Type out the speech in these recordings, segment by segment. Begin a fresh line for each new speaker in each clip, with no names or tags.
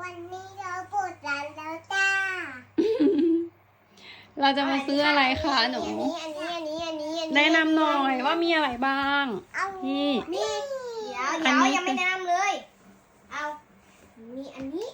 วันนี้เราปวดร้านแล้วจ้า
เราจะมาซื้ออะไรคะหนูแนะนำหน่อยว่ามีอะไรบ้างนี่
นี่เดี๋ยวยังไม่แนะนำเลย เอามีอันนี้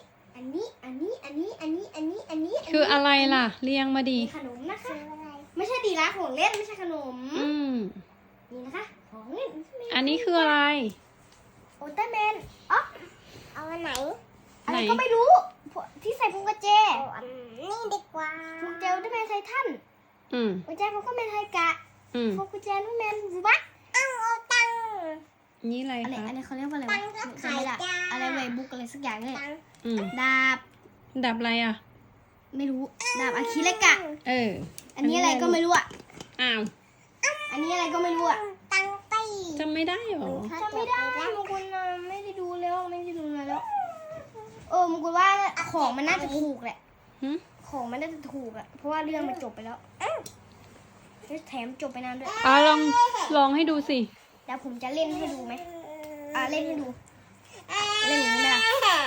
คืออะไรล่ะเรียงมาดี
ขนมนะคะ ไม่ใช่ดีละของเล่นไม่ใช่ขนม นี่นะคะของเล่น
อันนี้คืออะไร
โอเตอร์แมนอ๋อเอาอันไหนอะไร
ไหน
ก็ไม่รู้ที่ใส่พวงกุญแจนี่ดีกว่าพวงกุญแจโอเตอร์แมนไททันพวงกุญแจพวงกุญแจไทกะพวงกุญแจโอเตอร์แมนวัดเอาตัง
นี่อะไร
อัน
คะ
นี้เขาเรียกว่าอะไรวะจำไม่ได้อะไรเวบุ๊กอะไรสักอย่างเลยดาบ
ดับอะไรอ่ะ
ไม่รู้ดาบอาคิเลกะ อันนี้อะไรก็ไม่รู้อ่ะ
อ้าว
อันนี้อะไรก็ไม่รู้อ่ะตังไป
จำไม่ได้หรอ
จำไม่ได้มงกุลไม่ได้ดูแล้วมงกุลว่าของมันน่าจะถูกแหละของมันน่าจะถูกอ่ะเพราะว่าเรื่องมันจบไปแล้วแถมจบไปนานด้วย
ลองให้ดูสิ
เดี๋ยวผมจะเล่นให้ดูไหมเล่นให้ดูเล่นอย่างนี้ไหมล่ะ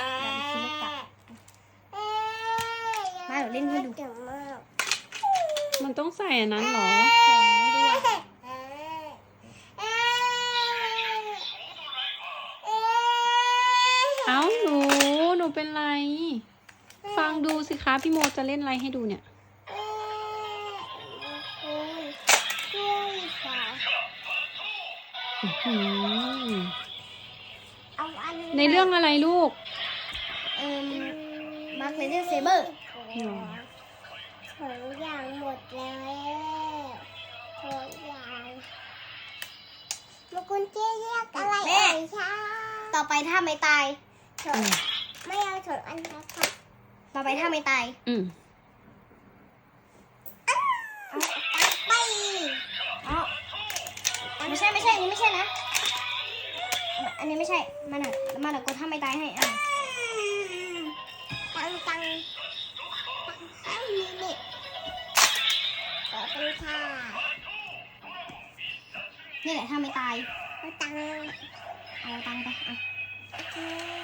มาเดี๋ยวเล่นให้ดู
มันต้องใส่อันนั้นเหรอ เอ้าหนูเป็นไร ฟังดูสิคะพี่โมจะเล่นอะไรให้ดูเนี่ย ในเรื่องอะไรลูก
มาร์คเลเดอร์เซเบอร์
ของอย่างหมดแล้วของอย่างมกุลเจ๊เรียกอะไรเอ่ยคะ
ต่อไปถ้าไม่ตาย
ไม่เอาถงอันนะคะ
ต่อไปถ้าไม่ตาย
ไป
ไม่ใช่อันนี้ไม่ใช่นะ อันนี้ไม่ใช่มาหน่อยกดถ้าไม่ตายให้
ตังนี่ขอบคุณค่ะ
นี่แหละถ้าไม่ตาย
ตัง
เอาตังไป
โอเค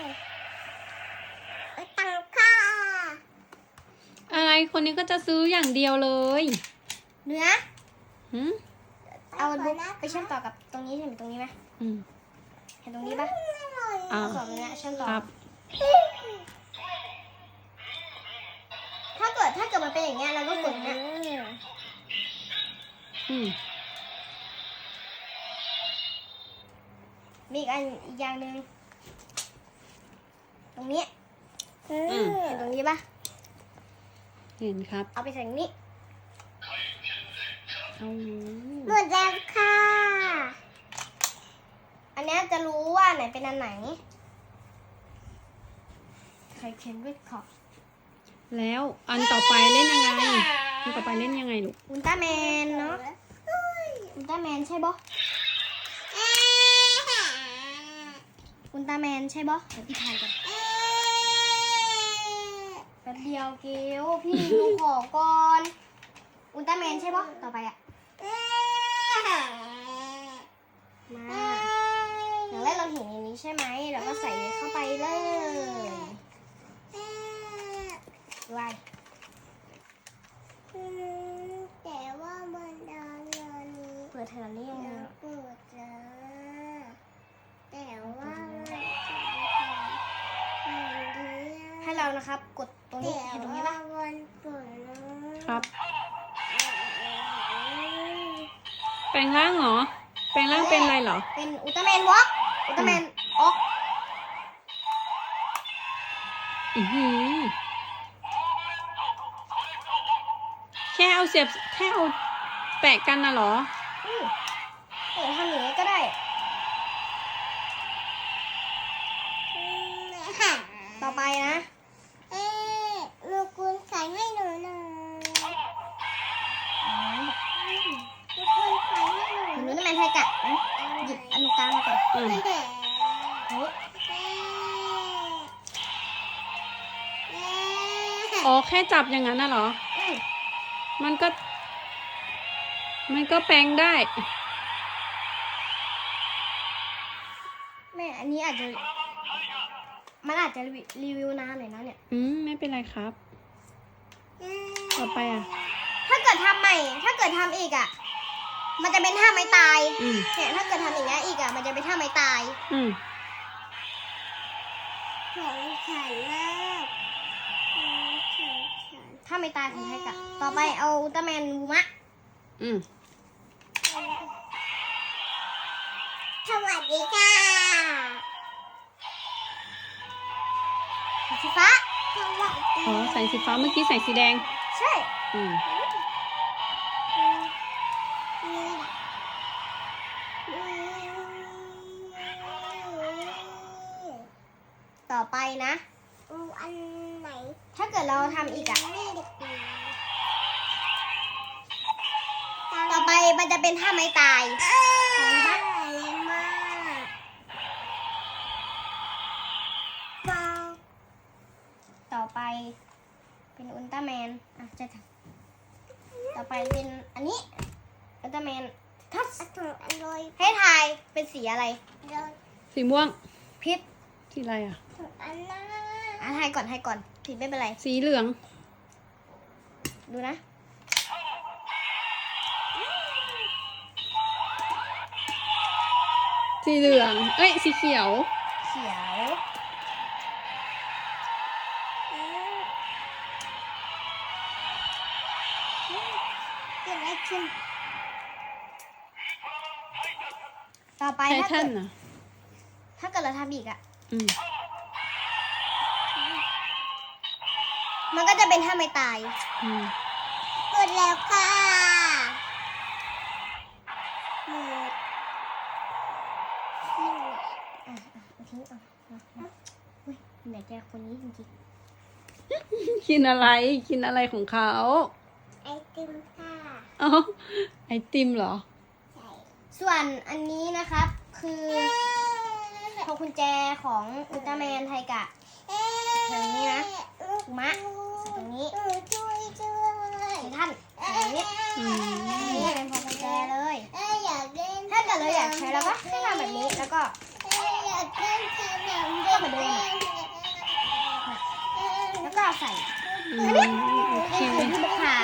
ตังค่ะ
อะไรคนนี้ก็จะซื้ออย่างเดียวเลย
เนื้อ เอาบุ๊กไปเชื่อมต่อกับตรงนี้เห็นตรงนี้ไหมเห็นตรงนี้ปะเอาสองเนี้ยเชื่อมต่อ
ครับ
ถ้าเกิดมันเป็นอย่างเงี้ยเราก็กดเนี้ยมีอีกอย่างหนึ่งตรงนี้เห็นตรงนี้ปะ
เห็นครับ
เอาไปใส่ตรงนี้
หมดแล้วค่ะ
อันเนี้ยจะรู้ว่าไหนเป็นอันไหนใครเขียนด้วยขอบ
แล้วอันต่อไปเล่นยังไง อันต่อไปเล่นยังไงลูก
อุลตร้าแมนเนาะอุลตร้าแมนใช่ปะอุลตร้าแมนใช่ปะเดี๋ยวพี่ถ่ายกันแป๊บเดียวเกลพี่ดูของก่อนอุลตร้าแมนใช่ปะต่อไปอะมาอย่างแรกเราเห็นอย่างนี้ใช่ไหมเราก็ใส่เข้าไปเลยไว้
แต่ว่ามันดอนนี้
เปิดเทอร์นี่ยังไง
ปวดจ้าแต่ว่ามันจะ
ให้เรานะครับ กดตรงนี้เห็นตรงนี้ปะ
วันปวดนะครับ
แปลงร่างเหรอ แปลงร่างเป็นอะไรเหรอ
เป็นอุลตร้าแมนวอล์กอุลตร้าแมนออก
แค่เอาแปะกันน่ะเหรอ
ทำอย่างนี้ก็ได้ต่อไปนะ
ลูกคุณใส่ให้หนูหน่อยลูกคุณใส่ให้หนู
หนูนี่แมนไทกะนะหยิบอันกลางมาก่อน
อ๋อแค่จับอย่างนั้นน่ะเหรอ มันก็แปลงได้
แม่อันนี้อาจจะมันอาจจะรีวิวนานหน่อยนะเนี่ย
ไม่เป็นไรครับ ต่อไปอ่ะ
ถ้าเกิดทำใหม่ ถ้าเกิดทำอีกอ่ะ มันจะเป็นท่าไม้ตาย
อืม
เนี่ยถ้าเกิดทำอย่างนี้ยอีกอ่ะ มันจะเป็นท่าไม้ตาย
อืม
ของฉันมากของฉัน
ท่าไม้ตายของไทกะต่อไปเอาอุลตร้าแมนบูมะ
อืม
สวัสดีค่ะ
สีฟ้า
สวัสดี
อ๋อใส่สีฟ้าเมื่อกี้ใส่สีแดง
ใช่
อืม
ต่อไปนะ
อันไหน
ถ้าเกิดเราทำอีกอ่ะ
ไม่ได้กิน
ต่อไปมันจะเป็นท่าไม้ตาย
บ้าเลยมากฟอง
ต่อไปเป็นอุลตร้าแมนอ่ะจะทำต่อไปเป็นอันนี้อุลตร้าแมนทัส
ถุงอร่อย
ให้ทายเป็นสีอะไร
เลย
สีม่วง
พิษ
สีอะไรอ่ะ
ถุงอันนั้น
อ่ะทายก่อนผิดไม่เป็นไร
สีเหลือง
ดูนะ
สีเหลือง เอ้ย สีเขียว
เขียว
เกิดอะไรขึ้น
ต่อไป
ไท
ถ้า
ทั
เกิ
น
ด
อ่ะ
ถ้าเกิดเราทำอีกอ่ะ
อืม
มันก็จะเป็นท่าไม้ตาย
อืม
เกิดแล้วค่ะหมด
เอาทิ้งเอาอุ้ยไหนแกคนนี้จริง
กินอะไร กินอะไรของเขา
ไอติมค่ะ
อ๋อ ไอติมเหรอ
ใส่
ๆส่วนอันนี้นะครับ คือพวงกุญแจของอุลตร้าแมนไทกะ แถวนี้นะปูมะตรงนี้
ช่วย
ไททันตรงนี้
อืม
นี่เป็นพวงกุญแจเลย
อยากเล่น
ถ้าเกิดเราอยากใช้เราก็ให้ทำแบบนี้ แล้วก็
อยากเล่นขนม
ก็เหมือนเดิมอะ แล้วก็เอาใส่
อืมโอเค
นี่คือลูกค้า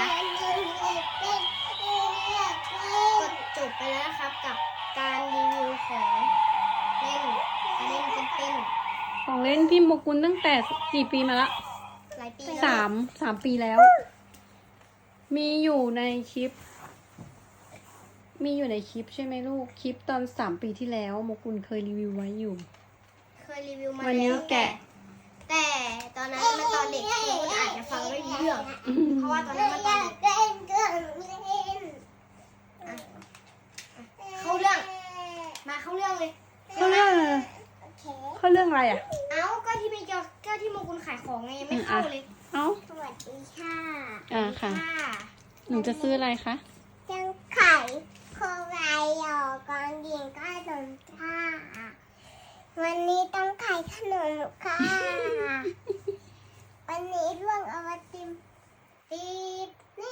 อยากเล่
ก็
น
จบไปแล้วนะครับกับการรีวิวของเล่นเป็น
ของเล่นพี่โมกุลตั้งแต่กี่ปีมาละ
หลายปีแล้ว
สามปีแล้ว มีอยู่ในคลิป ใช่ไหมลูก คลิปตอน3 ปีที่แล้วโมกุลเคยรีวิวไว้อยู่
เคยรีวิวมา
วันนี้
แล้ว
แกะ
แต่ตอนนั้นมันตอนเด็กคือคุณอาจจะฟังไม่รู้เรื่อง เพราะว่าตอนนั้นมันตอนเด็ก
เล่นเครื่องเล่น
เข้าเรื่อง มาเข้าเรื่องเลย
เขาเรื่องอะไร
โอเค
เขาเรื่องอะไรอ่ะ
เอ้าก็ที่มีก็ที่โมกุลขายของไงยังไม่เข้าเลย
เอ้า
สวัสดีค่ะ
ค่ะ หนูจะซื้ออะไรคะ
จังไข่โคไวหยอกกองยิงก็ขนมค่ะ วันนี้ต้องไข่ขนมค่ะ วันนี้ร่วงเอาไอติมตีบนี่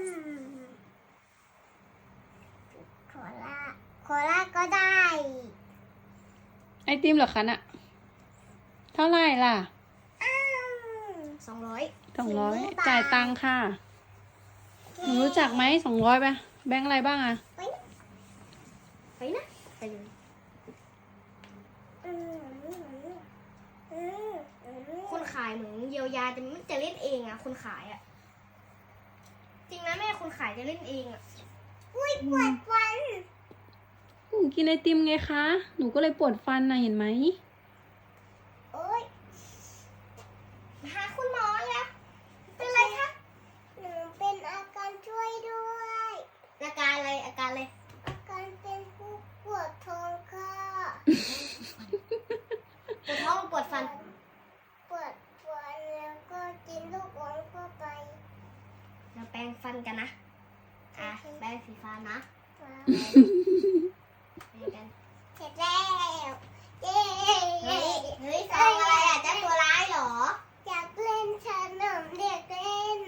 โคลาก็ได้
ไอติมเหรอคะน่ะ เท่าไหร่ล่ะ
200
200 จ่ายตังค่ะ หนูรู้จักไหม200ป่ะ แบงค์อะไรบ้างอ่ะ
ไปนะไปเลยคนขายเหมือนเยียวยาแต่มันจะเล่นเองอะคนขายอะจริงนะแม่คนขายจะเล่นเองอะ
อุ้ยปวดฟัน
หนูกินไอติมไงคะ หนูก็เลยปวดฟันนะเห็นไหม
โอ้ย
หาคุณหมอแล้วเป็นไรคะ
หนูเป็นอาการช่วยด้วย
อาการอะไรอาการอะไร
อาการเป็นผู้ปวดท้องค่ะ
ปวดท้องหรือปวดฟัน
ปวดฟันแล้วก็กินลูกอมเข้าไป
เราแปรงฟันกันนะอ่ะแปรงสีฟ้านะ
ว้าว
แปรงกัน
เสร็จแล้วเย้
เฮ้ยซองอะไรอ่ะเจ้าตัวร้ายเหรอ
อยากเล่นขนมเด็กเล่น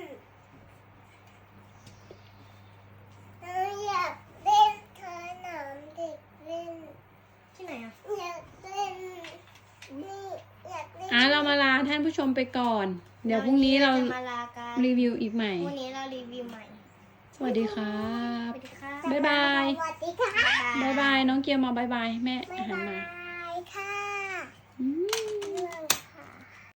อยากเล่นขนมเด็กเล่น
ที่ไหนอ่ะ
อยากเล่นนี่อยากเล่น
อ่ะเรามาลาท่านผู้ชมไปก่อน เดี๋ยวพรุ่งนี้เรา
จะมาลากัน
รีวิวอีกใหม่
พรุ่งนี้เรารีวิวใหม่
สวัสดีครั
ส
บ
วัสดีค่ะ
บ๊ายบาย
สวัสดีค่ะ
บ๊ายบายน้องเกียวมาบ๊ายบายแม่
บ๊าย
หัน
บา
มา
ยค่ะ
อืม